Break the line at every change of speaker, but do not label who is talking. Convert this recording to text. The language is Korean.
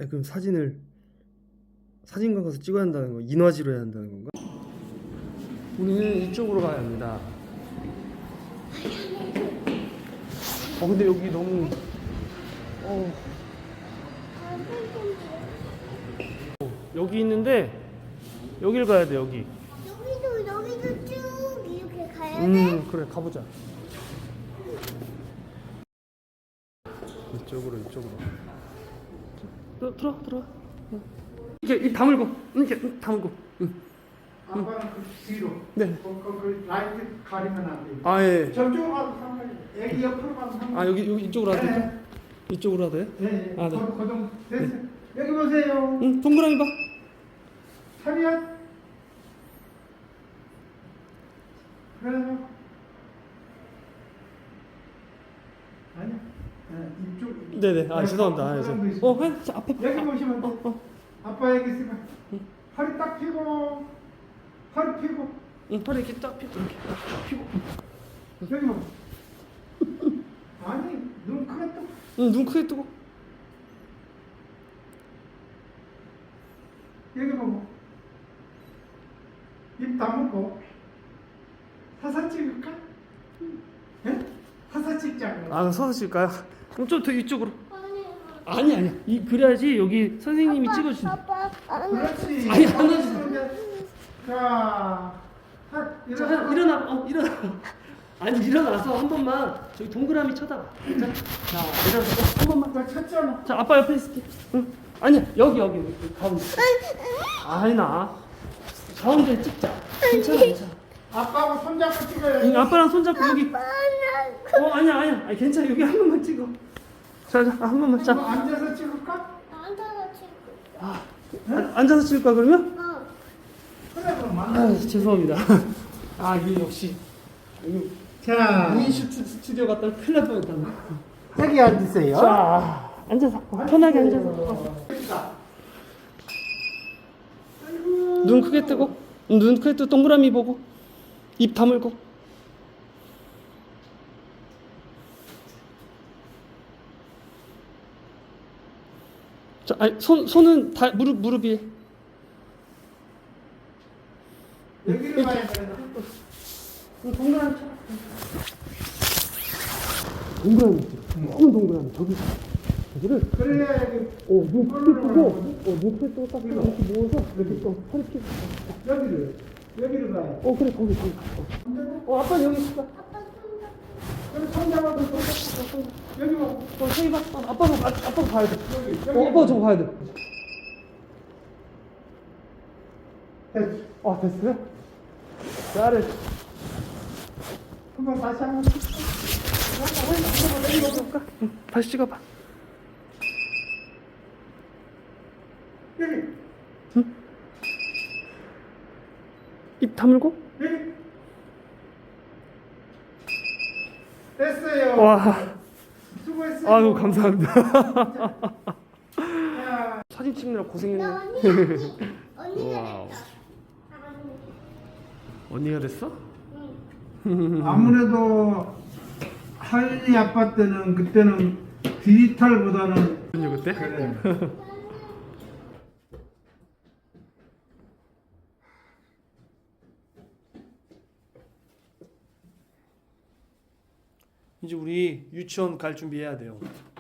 그럼 사진관 가서 찍어야 한다는 거, 인화지로 해야 한다는 건가? 우리는 이쪽으로 가야 합니다. 근데 여기 너무 여기 있는데 여길 가야 돼. 여기도
쭉 이렇게 가야 돼?
그래, 가보자. 이쪽으로. 들어. 이렇게 입 다물고, 이렇게 다물고.
아빠는 뒤로.
네.
그 라이트 가리면 안 돼.
아, 예.
저쪽으로 가도 상관이. 애기 옆으로 가도 상관이.
아, 여기 이쪽으로 하도 될까?
네.
이쪽으로 하도 돼?
네.
아, 네.
거동 됐어. 여기 보세요.
동그라미 봐.
차렷. 그래요. 아니야. 이쪽.
네네. 아, 죄송합니다. 아, 앞에 봐.
여기 보시면 돼. 아빠 여기 있으면 허리 딱 펴고 허리 펴고
허리 이렇게 딱 펴고 이렇게 딱 펴고.
여기 봐. 아니 눈 크게 떠.
눈 크게 뜨고.
여기 보고 입 다물고 사진 찍을까? 예? 사진 찍자고.
아, 서서 찍을까요? 그럼 좀 더 이쪽으로. 아니야. 그래야지 여기 선생님이 찍어주신.
아빠
그렇지.
아니, 안 하지.
자,
일어나. 아니, 일어나서 한 번만 저기 동그라미 쳐다봐. 자, 일어나서 한 번만.
나 쳤잖아.
자, 아빠 옆에 있을게. 응. 아니야, 여기 가운데. 아니나. 가운데 찍자. 괜찮아.
아빠하고 손잡고 찍어야 돼.
아빠랑 손잡고 여기. 아니야. 아니, 괜찮아. 여기 한 번만 찍어. 자, 한 번만. 자.
앉아서 찍을까?
앉아서 찍을까 그러면?
그래 그럼
아, 죄송합니다. 이게 역시
자,
무인슈트 스튜디오 갔다가 큰일 날 뻔했다.
여기 앉으세요.
자, 앉아서 편하게 앉아서. 눈 크게 뜨고, 동그라미 보고, 입 다물고. 자, 손은 다 무릎 위에.
여기를 봐야 되나?
동그라미 쳐. 동그라미. 너무 동그라미. 저기를.
그래야 여기
눈 크게 뜨고, 눈 크게 뜨고 딱 이렇게 모아서 이렇게 또 허리 펴고.
여기를 봐야.
그래, 거기. 아빠 여기 있어.
그럼 손잡아도 여기 봐.
저기 봐. 아빠가 봐야 돼.
여기.
아빠 저거 봐야 돼.
됐어.
됐어요? 잘해.
한번 다시 한번.
다시 찍어봐.
여기.
입 다물고.
여기. 됐어요.
와.
수고했어요.
아유, 감사합니다.
자,
사진 찍느라 고생했네.
언니가
와우.
됐다.
언니가 됐어?
아무래도 하윤이 아빠 때는 그때는 디지털보다는
언니 그때?
그래.
이제 우리 유치원 갈 준비해야 돼요.